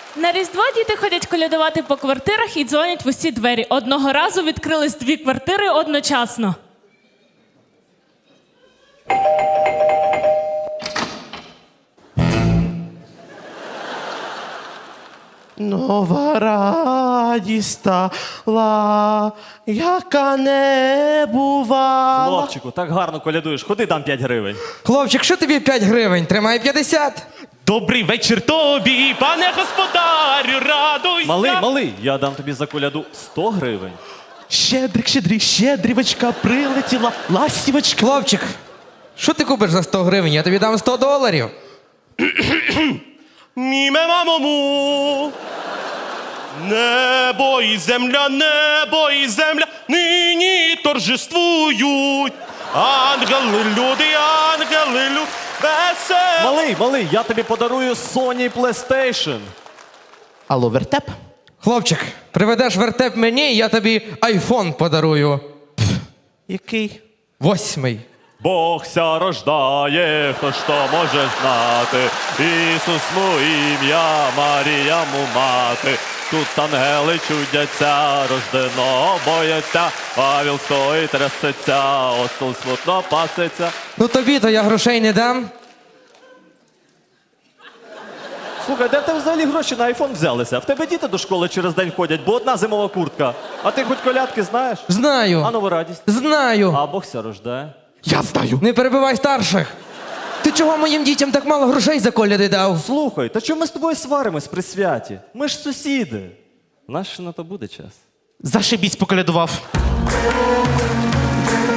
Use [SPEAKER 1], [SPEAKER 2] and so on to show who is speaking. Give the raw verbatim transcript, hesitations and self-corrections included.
[SPEAKER 1] На Різдво діти ходять колядувати по квартирах і дзвонять в усі двері. Одного разу відкрились дві квартири одночасно.
[SPEAKER 2] Нова радість стала, яка не бувала.
[SPEAKER 3] Хлопчику, так гарно колядуєш. Ходи, дам п'ять гривень.
[SPEAKER 4] Хлопчик, що тобі п'ять гривень? Тримай п'ятдесят.
[SPEAKER 2] Добрий вечір тобі, пане господарю, радуйся.
[SPEAKER 3] Малий, малий, я дам тобі за коляду сто гривень.
[SPEAKER 2] Щедрик, щедрик, щедрівочка прилетіла, ластівочка.
[SPEAKER 4] Хлопчик, що ти купиш за сто гривень? Я тобі дам сто доларів.
[SPEAKER 2] Міме мамому. Небо і земля, небо і земля нині торжествують. Ангели, люди, ангели, люди, весело.
[SPEAKER 3] Малий, малий, я тобі подарую Sony PlayStation.
[SPEAKER 2] Алло, вертеп?
[SPEAKER 4] Хлопчик, приведеш вертеп мені, я тобі айфон подарую.
[SPEAKER 2] Який?
[SPEAKER 4] Восьмий.
[SPEAKER 3] Бог ся рождає, хто ж то може знати. Ісус му ім'я, Марія му мати. Тут ангели чудяться, рожденого бояться. Павел стоїть, трясеться, осел смутно паситься.
[SPEAKER 4] Ну тобі-то я грошей не дам.
[SPEAKER 3] Слухай, де в тебе взагалі гроші на айфон взялися? В тебе діти до школи через день ходять, бо одна зимова куртка. А ти хоч колядки знаєш?
[SPEAKER 4] Знаю.
[SPEAKER 3] А нову радість?
[SPEAKER 4] Знаю.
[SPEAKER 3] А Бог ся рождає.
[SPEAKER 2] Я знаю.
[SPEAKER 4] Не перебивай старших. Ти чого моїм дітям так мало грошей за коляди дав?
[SPEAKER 3] Слухай, та чому ми з тобою сваримось при святі? Ми ж сусіди. Наш ще на то буде час.
[SPEAKER 2] Зашибісь поколядував.